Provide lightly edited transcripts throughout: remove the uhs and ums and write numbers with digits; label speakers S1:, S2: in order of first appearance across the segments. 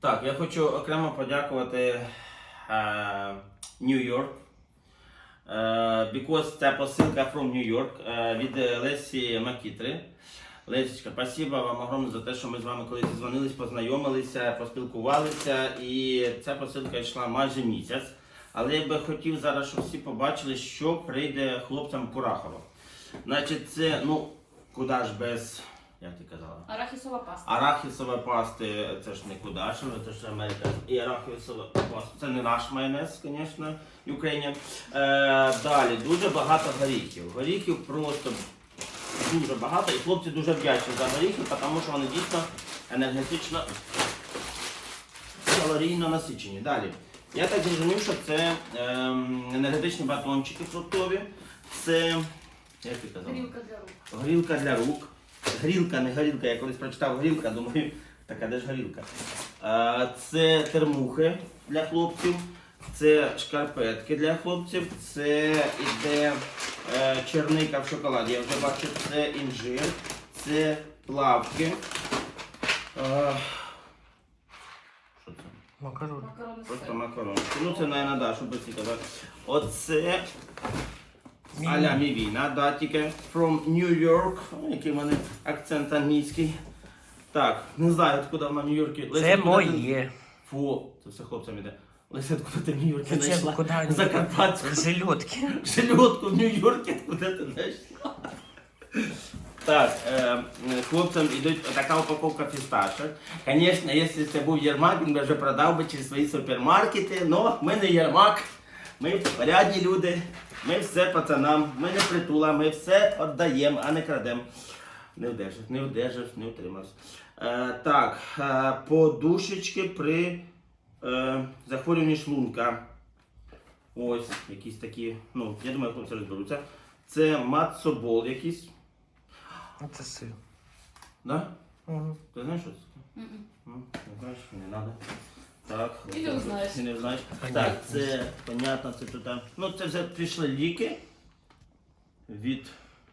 S1: Так, я хочу окремо подякувати New York. Because це посилка from New York від Лесі Макітри. Лесечка, спасибо вам огромне за те, що ми з вами колись дзвонились, познайомилися, поспілкувалися. І ця посилка йшла майже місяць. Але я би хотів зараз, щоб всі побачили, що прийде хлопцям Курахова. Значить, це, ну, куди ж без, як ти казала?
S2: Арахісова паста.
S1: Арахісова пасти, це ж не кудашево, це ж Америка. І арахісова паста. Це не наш майонез, звісно, Ukrainian. Далі, дуже багато горіхів. Горіхів просто дуже багато. І хлопці дуже вдячні за горіхи, тому що вони дійсно енергетично, калорійно насичені. Далі. Я так зрозумів, що це енергетичні батончики фруктові. Це, як ти казав?
S2: Грілка для рук.
S1: Горілка для рук. Грілка, не горілка. Я колись прочитав грілка, думаю, така де ж горілка. Це термухи для хлопців, це шкарпетки для хлопців, це іде черника в шоколаді. Я вже бачу, це інжир, це плавки. Що це?
S3: Макарони.
S2: Макарони з
S1: Просто
S2: сиром.
S1: макарони. Ну це, мабуть, да, щоб всі казати. Оце а-ля мівіна, да, тільки from New York, який в мене акцент англійський. Так, не знаю, откуда вона в Нью-Йоркі.
S3: Це моє.
S1: Фу, це все хлопцям іде. Леся, откуда ти в Нью-Йоркі
S3: Це
S1: знайшла?
S3: куди?
S1: Закарпатську.
S3: Жилетки.
S1: Жилетку в Нью-Йоркі, куди ти знайшла? Так, хлопцям йдуть така упаковка фісташок. Звісно, якщо це був Єрмак, він би вже продав би через свої супермаркети, але ми не Єрмак, ми порядні люди, ми все пацанам, ми не притула, ми все віддаємо, а не крадемо. Не вдержав, не утримався. Так, подушечки при захворюванні шлунка. Ось, якісь такі, ну, я думаю, хлопці розберуться. Це мацобол якийсь.
S3: Це сир.
S1: Да?
S3: Угу.
S1: Ти знаєш, що це?
S2: Мгм.
S1: Ну, не знаєш, не треба. Так.
S2: І не знаєш.
S1: І не знаєш.
S3: Понятно.
S1: Так, це, понятно, це тут. Ну, це вже пішли ліки від...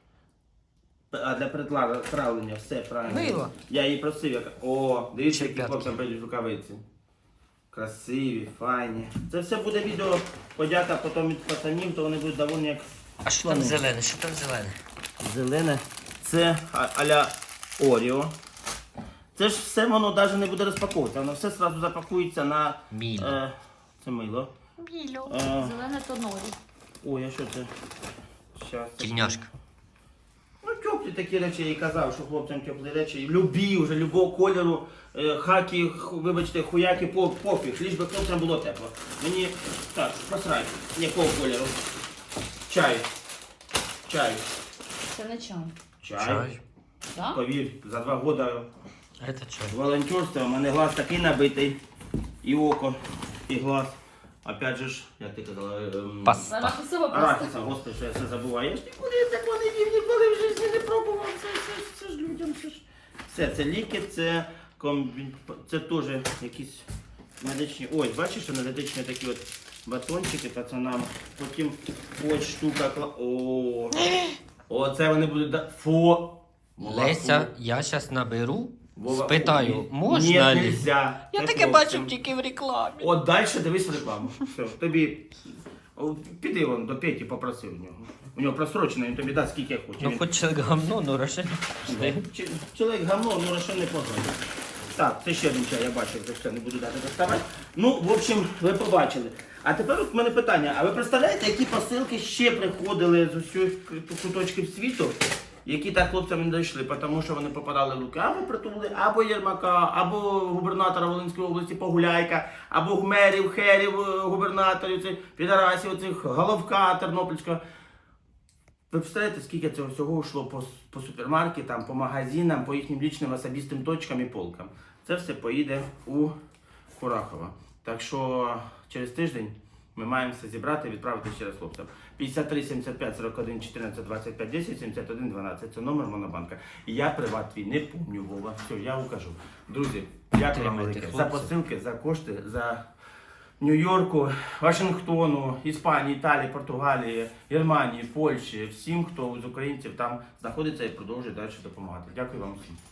S1: А для травлення все правильно.
S3: Мило.
S1: Я її просив, як... О, дивіться, які
S3: Чепятки.
S1: хлопцям прийдуть рукавиці. Красиві, файні. Це все буде відео, подяка потім від пацанів, то вони будуть довольні як...
S3: А що там зелене? Що там зелене?
S1: Зелене. Це а-ля Оріо. Це ж все воно навіть не буде розпаковуватися, воно все одразу запакується на...
S3: Міло.
S1: Це мило.
S3: Міло.
S2: Зелене то норі.
S1: Ой, а що це? Щас.
S3: Тільняшка.
S1: Ну, теплі такі речі, я і казав, що хлопцям теплі речі. Любі вже, любого кольору, хаки, вибачте, хуяки, пофіг, лиш би хлопцям було тепло. Мені, так, посрай, якого кольору. Чай. Чай.
S2: Це не чай.
S1: Чай.
S2: Так?
S1: Повір, за 2 роки
S3: Це чай.
S1: волонтерства, у мене глаз такий набитий, і око, і глаз. Опять же ж, як ти казала,
S3: Паста.
S2: Арахісова паста.
S1: арахіса, господи, що я все забуваю. Я ж ніколи такого не їв, ніколи в житті не пробував. Це ж людям, це ж. Все, це ліки, це це теж якісь медичні. Ось, бачиш, енергетичні такі от батончики пацанам. Потім ось штука. О, це вони будуть. Фу.
S3: Леся, я зараз наберу,
S1: Вова,
S3: спитаю,
S1: ні,
S3: можна
S1: ні,
S3: ли?
S1: нельзя.
S3: Я
S1: Це
S3: таке
S1: хлопцям.
S3: бачив тільки в рекламі.
S1: От далі дивись рекламу. Все, тобі. Піди вон до Петі, попроси в нього. У нього просрочено, він тобі дасть скільки хоче.
S3: Ну
S1: Він-
S3: хоч гамно, ну Рошен.
S1: Чоловік гамно, ну що не позвонить. Так, це ще один чай, я бачив, це все, не буду дати доставати. Ну, в общем, ви побачили. А тепер от в мене питання, а ви представляєте, які посилки ще приходили з усіх куточків світу, які так хлопцям не дійшли, тому що вони попадали в руки або притули, або Єрмака, або губернатора Волинської області Погуляйка, або мерів, херів, губернаторів, цих підарасів, цих Головка Тернопільського. Ви представляєте, скільки цього всього йшло по супермаркетам, по магазинам, по їхнім лічним особистим точкам і полкам. Це все поїде у Курахова. Так що через тиждень ми маємо все зібрати і відправити ще раз хлопцям. 53 75 41 14 25 10 71 12. Це номер Монобанка. Я приват твій не помню, Вова. Все, я укажу. Друзі, дякую вам
S3: Підтримуйте
S1: велике за
S3: хлопців.
S1: посилки, за кошти, за Нью-Йорку, Вашингтону, Іспанії, Італії, Португалії, Германії, Польщі, всім, хто з українців там знаходиться і продовжує далі допомагати. Дякую вам всім.